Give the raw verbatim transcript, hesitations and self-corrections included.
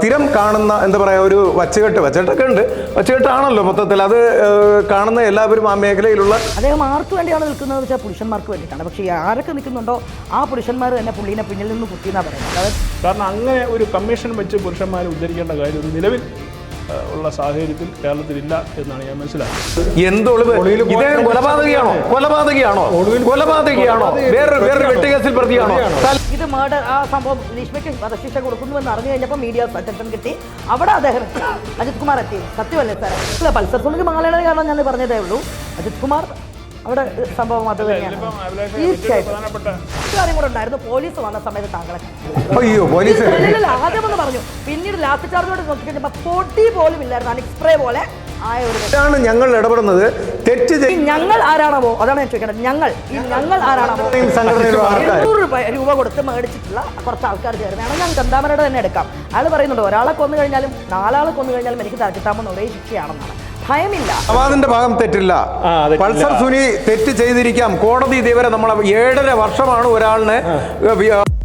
സ്ഥിരം കാണുന്ന എന്താ പറയുക ഒരു വച്ചുകെട്ട് വച്ചുകെട്ടൊക്കെ ഉണ്ട്, വച്ചുകെട്ടാണല്ലോ മൊത്തത്തിൽ. അത് കാണുന്ന എല്ലാവരും ആ മേഖലയിലുള്ള അദ്ദേഹം ആർക്ക് വേണ്ടിയാണ് നിൽക്കുന്നത് വെച്ചാൽ പുരുഷന്മാർക്ക് വേണ്ടിയിട്ടാണ്. പക്ഷേ ആരൊക്കെ നിൽക്കുന്നുണ്ടോ ആ പുരുഷന്മാർ തന്നെ പുള്ളീനെ പിന്നിൽ നിന്ന് കുത്തിയെന്നാണ് പറയുന്നത്. കാരണം അങ്ങനെ ഒരു കമ്മീഷൻ വെച്ച് പുരുഷന്മാരെ ഉദ്ധരിക്കേണ്ട കാര്യം ഒരു നിലവിൽ ഉള്ള സാഹചര്യത്തിൽ കേരളത്തിലില്ല എന്നാണ് ഞാൻ മനസ്സിലാക്കുന്നത്. എന്തൊളിവ് ഇദ്ദേഹം കൊലപാതകയാണോ കൊലപാതകയാണോ കൊലപാതകയാണോ വേറെ വേറെ വെട്ടുകേസിൽ പ്രതിയാണോ? ഇത് മേഡർ ആ സംഭവം ഗ്രീഷ്മയ്ക്ക് വധശിക്ഷ കൊടുക്കുന്നുവെന്ന് അറിഞ്ഞു കഴിഞ്ഞപ്പോൾ മീഡിയ അറ്റൻഷൻ കിട്ടി. അവിടെ അദ്ദേഹം അജിത് കുമാർ എത്തി. സത്യമല്ലേ സാർ? അല്ല, പൾസർ സുനിക്ക് മംഗളയുടെ കാരണം ഞാൻ പറഞ്ഞതേ ഉള്ളൂ. അജിത് കുമാർ അവിടെ സംഭവം അത് തന്നെയാണ്. തീർച്ചയായിട്ടും കാര്യം കൂടെ ഉണ്ടായിരുന്നു. പോലീസ് വന്ന സമയത്ത് താങ്കളെ അയ്യോ പോലീസ് ആദ്യം ഒന്ന് പറഞ്ഞു, പിന്നീട് ലാസ്റ്റ് ചാർജോട് നോക്കി കഴിഞ്ഞപ്പോൾ പൊട്ടി പോലും ഇല്ലായിരുന്നു. അനിക്സ്പ്രേ പോലെ ആയ ഒരു ഞങ്ങൾ ഇടപെടുന്നത് തെറ്റ് ഞങ്ങൾ ആരാണോ അതാണ് ഞാൻ ചോദിക്കേണ്ടത്. ഞങ്ങൾ ഈ ഞങ്ങൾ ആരാണോ എണ്ണൂറ് രൂപ രൂപ കൊടുത്ത് മേടിച്ചിട്ടുള്ള കുറച്ച് ആൾക്കാർ ചേർന്നാണ്. ഞാൻ ചന്താമരയുടെ തന്നെ എടുക്കാം. അയാൾ പറയുന്നുണ്ട് ഒരാളെ കൊന്നു കഴിഞ്ഞാലും നാലാളെ കൊന്നു കഴിഞ്ഞാലും എനിക്ക് കിട്ടാമെന്ന് ഒരേ ശിക്ഷയാണെന്നാണ്. ഭയമില്ല. നവാദിന്റെ ഭാഗം തെറ്റില്ല. പൾസർ സുനി തെറ്റ് ചെയ്തിരിക്കാം. കോടതി ഇതേവരെ നമ്മളെ ഏഴര വർഷമാണ് ഒരാളിനെ